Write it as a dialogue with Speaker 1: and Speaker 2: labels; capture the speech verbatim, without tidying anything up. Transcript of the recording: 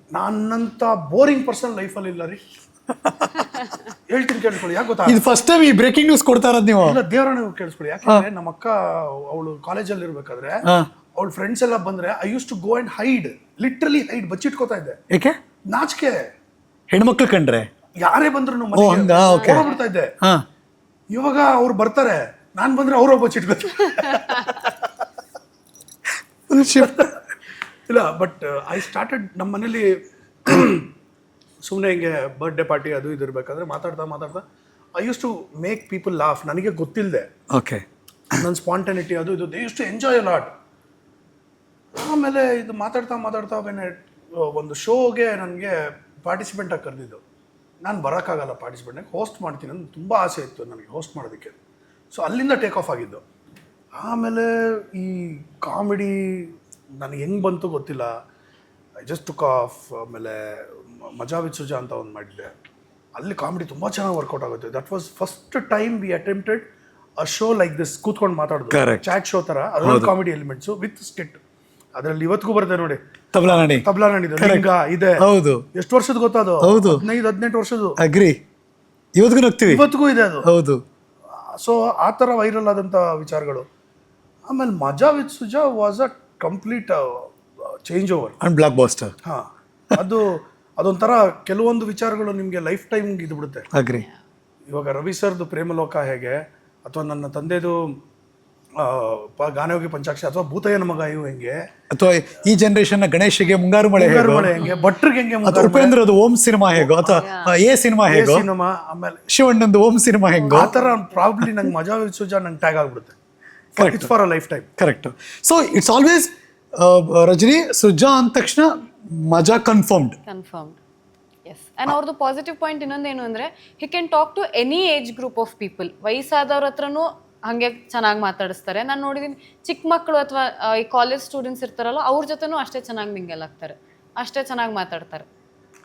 Speaker 1: ನನ್ನಂತ boring person ಲೈಫಲ್ಲಿ ಇಲ್ಲ ರೀ. ಹೇಳ್ತೀನಿ ಕೇಳಿಸ್ಕೊಳ್ಳಿ, ಯಾಕೆ ಗೊತ್ತಾ?
Speaker 2: ಇದು ಫಸ್ಟ್ ಟೈಮ್ ಈ ಬ್ರೇಕಿಂಗ್ ನ್ಯೂಸ್ ಕೊಡ್ತಾ ಇರೋದು ನೀವು.
Speaker 1: ಇಲ್ಲ, ದೇವರ ನೀವು ಕೇಳಿಸ್ಕೊಳ್ಳಿ. ಯಾಕಂದ್ರೆ ನಮ್ಮ ಅಕ್ಕ ಅವಳು ಕಾಲೇಜಲ್ಲಿ ಇರ್ಬೇಕಾದ್ರೆ ಅವಳ ಫ್ರೆಂಡ್ಸ್ ಎಲ್ಲ ಬಂದ್ರೆ I use to go and hide, literally hide, ಬಚ್ಚಿಟ್ಕೋತಾ ಇದ್ದೆ.
Speaker 2: ಏಕೆ?
Speaker 1: ನಾಚಿಕೆ.
Speaker 2: ಹೆಣ್ಮಕ್ಳು ಕಂಡ್ರೆ
Speaker 1: ಯಾರೇ ಬಂದ್ರು ಬಿಡ್ತಾ ಇದ್ದೆ. ಇವಾಗ ಅವ್ರು ಬರ್ತಾರೆ, ನಾನ್ ಬಂದ್ರೆ ಅವ್ರು ಬಚ್ಚಿಟ್ಕೋತಾರೆ. ಇಲ್ಲ, ಬಟ್ ಐ ಸ್ಟಾರ್ಟೆಡ್ ನಮ್ಮ ಮನೇಲಿ ಸುಮ್ಮನೆ ಹಿಂಗೆ ಬರ್ಡೇ ಪಾರ್ಟಿ ಅದು ಇದು ಇರ್ಬೇಕಾದ್ರೆ ಮಾತಾಡ್ತಾ ಮಾತಾಡ್ತಾ I use to make people laugh. ನನಗೆ ಗೊತ್ತಿಲ್ಲದೆ
Speaker 2: ಓಕೆ
Speaker 1: ನನ್ನ ಸ್ಪಾಂಟನಿಟಿ ಅದು ಇದು they use to enjoy a lot. ಆಮೇಲೆ ಇದು ಮಾತಾಡ್ತಾ ಮಾತಾಡ್ತಾ ಬೇನೆ ಒಂದು ಶೋಗೆ ನನಗೆ ಪಾರ್ಟಿಸಿಪೆಂಟ್ ಆಗಿ ಕರೆದಿದ್ದು. ನಾನು ಬರೋಕ್ಕಾಗಲ್ಲ ಪಾರ್ಟಿಸಿಪೆಂಟಾಗಿ, ಹೋಸ್ಟ್ ಮಾಡ್ತೀನಿ ಅಂತ ತುಂಬ ಆಸೆ ಇತ್ತು ನನಗೆ ಹೋಸ್ಟ್ ಮಾಡೋದಕ್ಕೆ. ಸೊ ಅಲ್ಲಿಂದ ಟೇಕ್ ಆಫ್ ಆಗಿದ್ದು. ಆಮೇಲೆ ಈ ಕಾಮಿಡಿ ನನಗೆ ಹೆಂಗೆ ಬಂತು ಗೊತ್ತಿಲ್ಲ, ಐ ಜಸ್ಟ್ ಟುಕ್ ಆಫ್. ಆಮೇಲೆ ಮಜಾ ವಿತ್ ಸುಜಾ ಅಂತ ಒಂದು ಮಾಡಿದ್ದೆ, ಅಲ್ಲಿ ಕಾಮಿಡಿ ತುಂಬ ಚೆನ್ನಾಗಿ ವರ್ಕೌಟ್ ಆಗುತ್ತೆ. That was first time we attempted a show like this, ಕೂತ್ಕೊಂಡು ಮಾತಾಡೋದು, ಚಾಟ್ ಶೋ ಥರ, ಅದರಲ್ಲಿ ಕಾಮಿಡಿ ಎಲಿಮೆಂಟ್ಸು ವಿತ್ ಸ್ಕಿಟ್. ಅದರಲ್ಲಿ ಇವತ್ತಿಗೂ ಬರುತ್ತೆ ನೋಡಿ,
Speaker 2: ತಬ್ಲಾ ನಾಡಿ
Speaker 1: ತಬ್ಲಾ ನಾಡಿದು ಲಿಂಗ ಇದೆ.
Speaker 2: ಹೌದು,
Speaker 1: ಎಷ್ಟು ವರ್ಷದ ಗೊತ್ತದು?
Speaker 2: ಹೌದು,
Speaker 1: ಹದಿನೈದು ಹದಿನೆಂಟು ವರ್ಷದ್ದು.
Speaker 2: ಅಗ್ರಿ, ಇವತ್ತಿಗೂ ನಗ್ತೀವಿ,
Speaker 1: ಇವತ್ತಿಗೂ ಇದೆ ಅದು.
Speaker 2: ಹೌದು.
Speaker 1: ಸೊ ಆ ಥರ ವೈರಲ್ ಆದಂಥ ವಿಚಾರಗಳು. ಆಮೇಲೆ Maja with Suja was a complete change over
Speaker 2: and blockbuster.
Speaker 1: ಹಾಂ, ಅದು ಅದೊಂಥರ ಕೆಲವೊಂದು ವಿಚಾರಗಳು ನಿಮಗೆ ಲೈಫ್ ಟೈಮ್ಗೆ ಇದು ಬಿಡುತ್ತೆ.
Speaker 2: ಅಗ್ರಿ.
Speaker 1: ಇವಾಗ ರವಿ ಸರ್ದು ಪ್ರೇಮಲೋಕ ಹೇಗೆ, ಅಥವಾ ನನ್ನ ತಂದೆದು ಗಾನಯೋಗಿ ಪಂಚಾಕ್ಷರಿ, ಅಥವಾ ಭೂತಯ್ಯನ ಮಗ ಇವು ಹೆಂಗೆ,
Speaker 2: ಅಥವಾ ಈ ಜನರೇಷನ್ ಗಣೇಶಿಗೆ ಮುಂಗಾರು ಮಳೆ
Speaker 1: ಮಳೆ ಹೆಂಗೆ, ಭಟ್ರಿಗೆ ಹೆಂಗೆ,
Speaker 2: ಉಪೇಂದ್ರದು ಓಂ ಸಿನಿಮಾ ಹೇಗೋ, ಅಥವಾ ಎ ಸಿನಿಮಾ ಹೇಗೋ,
Speaker 1: ಸಿನಿಮಾ, ಆಮೇಲೆ
Speaker 2: ಶಿವಣ್ಣಂದು ಓಂ ಸಿನಿಮಾ ಹೆಂಗೋ,
Speaker 1: ಆ ಥರ ಪ್ರಾಬ್ಲಿ ನಂಗೆ ಮಜಾ ವಿತ್ ಸುಜಾ ನಂಗೆ ಟ್ಯಾಗ್ ಆಗ್ಬಿಡುತ್ತೆ. It's for a lifetime.
Speaker 2: Correct. So it's always Rajini Suja ಅಂದ ತಕ್ಷಣ ಮಜಾ ಕನ್ಫರ್ಮ್ಡ್.
Speaker 3: Confirmed, yes. ಆ್ಯಂಡ್ ಅವ್ರದ್ದು ಪಾಸಿಟಿವ್ ಪಾಯಿಂಟ್ ಇನ್ನೊಂದೇನು ಅಂದರೆ, he can talk to any age group of people. ವಯಸ್ಸಾದವ್ರ ಹತ್ರನೂ ಹಾಗೆ ಚೆನ್ನಾಗಿ ಮಾತಾಡಿಸ್ತಾರೆ. ನಾನು ನೋಡಿದ್ದೀನಿ ಚಿಕ್ಕ ಮಕ್ಕಳು ಅಥವಾ ಈ ಕಾಲೇಜ್ ಸ್ಟೂಡೆಂಟ್ಸ್ ಇರ್ತಾರಲ್ಲ, ಅವ್ರ ಜೊತೆನೂ ಅಷ್ಟೇ ಚೆನ್ನಾಗಿ ಮಿಂಗಲ್ ಆಗ್ತಾರೆ, ಅಷ್ಟೇ ಚೆನ್ನಾಗಿ ಮಾತಾಡ್ತಾರೆ.